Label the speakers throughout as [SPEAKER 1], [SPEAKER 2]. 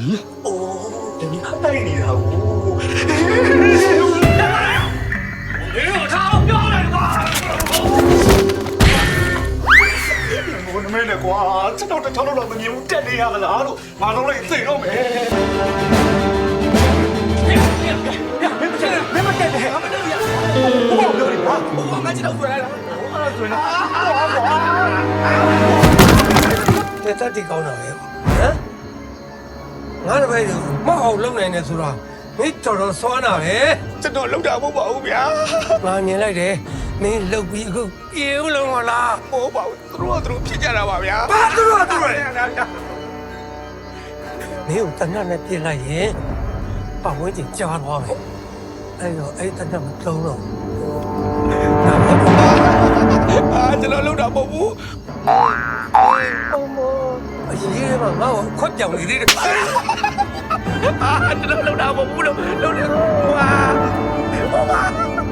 [SPEAKER 1] အိုးဒီတိုက်နေတာကိုဘယ်လိုထားပြောလိုက်ကွာဘုန်းမဲနဲ့ကွာကျွန်တော်တစ်ချောင်းတော့မမြင်ဘူးတက်နေရသလားလို့ငါတော့လည်းသိတော့မယ်မတက်နဲ့ဘာပြောနေကွာဘာမှကျွန်တော်ဆွဲလာတာဆွဲလာ
[SPEAKER 2] တဲ့တက်တီကောင်းတာပဲဟမ်ငါတပည့်တို့မအောင်လုံနိုင်နေဆိုတော့မင်းတော်စွမ်းတာပဲ
[SPEAKER 1] ကျွန်တော်လောက်တာမဟုတ်ပါဘူးဗျာ
[SPEAKER 2] ငါမြင်လိုက်တယ်မင်းလှုပ်ပြီးအခုပြေဦးလုံးမလား
[SPEAKER 1] မဟုတ်ပါဘူးသူတို့ဖြစ်ကြတာပါဗျာ
[SPEAKER 2] ဘာသူတို့မင်းကိုတဏှာနဲ့ပြစ်လိုက်ရင်ပတ်ဝန်းကျင်ကြားသွားမယ်အဲ့တော့အဲ့တဏှာမသုံးတော့
[SPEAKER 1] ကျွန်တော်လောက်တာမဟုတ်ဘူး
[SPEAKER 2] အရေးမှာငါ့ကိုခွက်ပြောင်နေသေးတယ်
[SPEAKER 1] ကျွန်တော်လောက်တာမဟုတ်ဘူးလို့လောက်တယ်ကွာ
[SPEAKER 2] ဟာ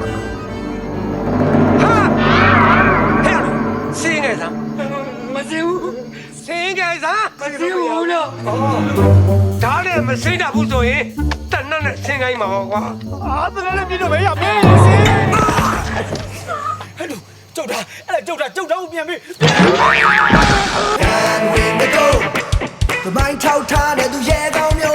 [SPEAKER 2] စင်းငယ်စား
[SPEAKER 1] မစင်းဘူး
[SPEAKER 2] စင်းငယ်စား
[SPEAKER 1] မစင်းဘူးလို့
[SPEAKER 2] ဒါလည်းမစင်းတာဘူးဆိုရင်တဏှာနဲ့စင်းကိုင်းမှာပေါ့ကွာ
[SPEAKER 1] တဏှာနဲ့ပြည့်တော့ပဲရမယ်စင်းဟဲ့လို့ကြောက်တာအဲ့ဒါကြောက်တာကိုပြန်ပြီး
[SPEAKER 3] တမိုင်းထောက်ထားတဲ့သူရဲကောင်းမျိုး